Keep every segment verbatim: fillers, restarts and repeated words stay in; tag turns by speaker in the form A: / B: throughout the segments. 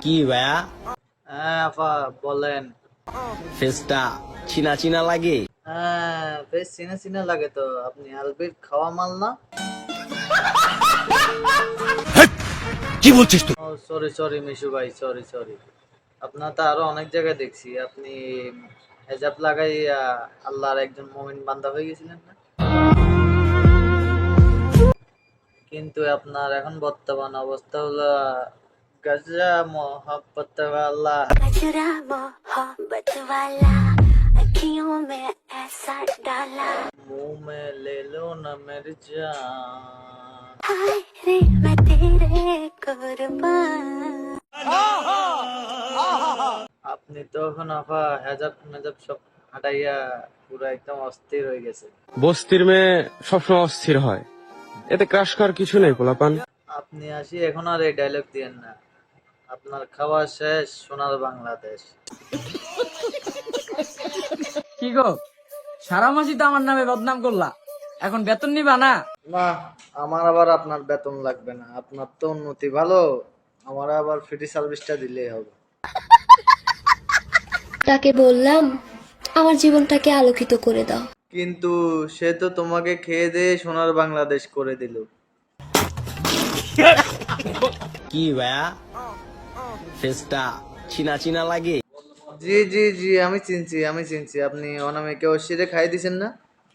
A: কি ভাইয়া?
B: হ্যাঁ আপা বলেন।
A: ফেসটা চিনা চিনা লাগে।
B: হ্যাঁ বেশ চিনা চিনা লাগে তো। আপনি আলবির খাওয়া মাল না?
A: কি বলছিস তুই?
B: ও সরি সরি মিশু ভাই, সরি সরি। আপনার তো আরো অনেক জায়গায় দেখছি আপনি হেজাব লাগাই আল্লাহর একজন মুমিন বান্দা হয়ে গেছিলেন না? কিন্তু আপনার এখন বর্তমান অবস্থা হলো গজরা মোহাব্বত ওয়ালা।
C: गजरा मोहब्बत वाला अखियों में ऐसा डाला
B: मुंह में ले लो ना मेरी जान।
C: हाय रे मैं तेरे कुर्बान।
B: আপনি তো এখন আপা হেজাব মেজাব সব হাঁটাইয়া পুরো একদম অস্থির হয়ে গেছে।
D: বস্তির মেয়ে সবসময় অস্থির হয়, এতে ক্রাশ করার কিছু নেই পোলাপান।
B: আপনি আসি এখন আর এই ডায়লগ দিয়েন না। আপনার খাওয়া শেষ, সোনার বাংলাদেশ।
E: কি গো, সারা মাসই তো আমার নামে বদনাম করলা, এখন বেতন নিবা না?
B: না, আমার আবার আপনার বেতন লাগবে না। আপনার তো উন্নতি ভালো, আমার আবার ফ্রি সার্ভিসটা দিলেই হবে।
F: তাকে বললাম আমার জীবনটাকে আলোকিত করে দাও।
B: কিন্তু সে তো তোমাকে খেয়ে দিয়ে সোনার বাংলাদেশ করে দিল।
A: কি ভাইয়া? ফেসটা চিনা চিনা লাগে।
B: জি জি জি আমি চিনছি আমি চিনছি। আপনি অনামিকে অশিরে খাই দিছেন না?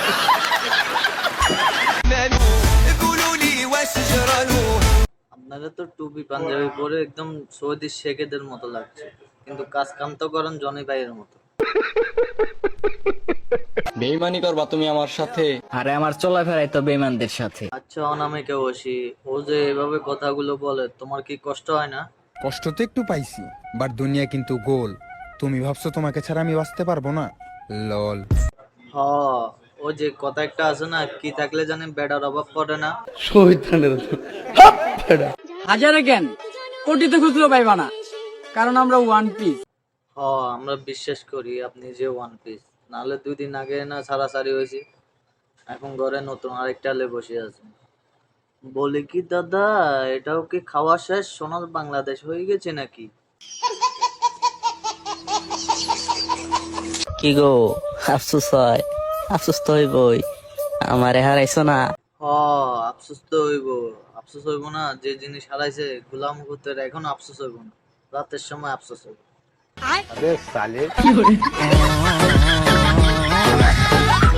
B: আপনারা তো টুপি পাঞ্জাবি পরে একদম সৌদি শেখেদের মতো লাগছে, কিন্তু কাজ কাম তো করেন জনি ভাইয়ের মতো।
G: বেইমানি করবা তুমি আমার সাথে?
E: আরে আমার চলাফেরাই তো বেঈমানদের সাথে।
B: আচ্ছা অনামিকে অশি, ও যে এভাবে কথাগুলো বলে তোমার কি কষ্ট হয় না?
H: কষ্ট তো একটু পাইছি, বাট দুনিয়া কিন্তু গোল। তুমি ভাবছো তোমাকে ছাড়া আমি বাঁচতে পারবো না? লল।
B: হ, ও যে কথা একটা আছে না, কি থাকলে জানি বেড়ার অভাব পড়ে না।
E: হাজারে কেন, কোটিতে খুচরো পাইবা না, কারণ আমরা ওয়ান পিস।
B: হ, আমরা বিশ্বাস করি আপনি যে ওয়ান পিস। নাহলে দুই দিন আগে না ছাড়াছাড়ি হয়েছি, এখন ঘরে নতুন আরেকটা লে বসে আছে। বলি কি দাদা, এটাও কি খাওয়া শেষ, সোনার বাংলাদেশ হয়ে গেছে নাকি?
I: কি গো, আফসোস হয়? আফসোস তো হইবই, আমারে হারাইছো না।
B: হ, আফসোস তো হইব। আফসোস হইব না? যে জিনিস হারাইছে গোলাম করতে এখন আফসোস হইব না, রাতের সময় আফসোস হইব।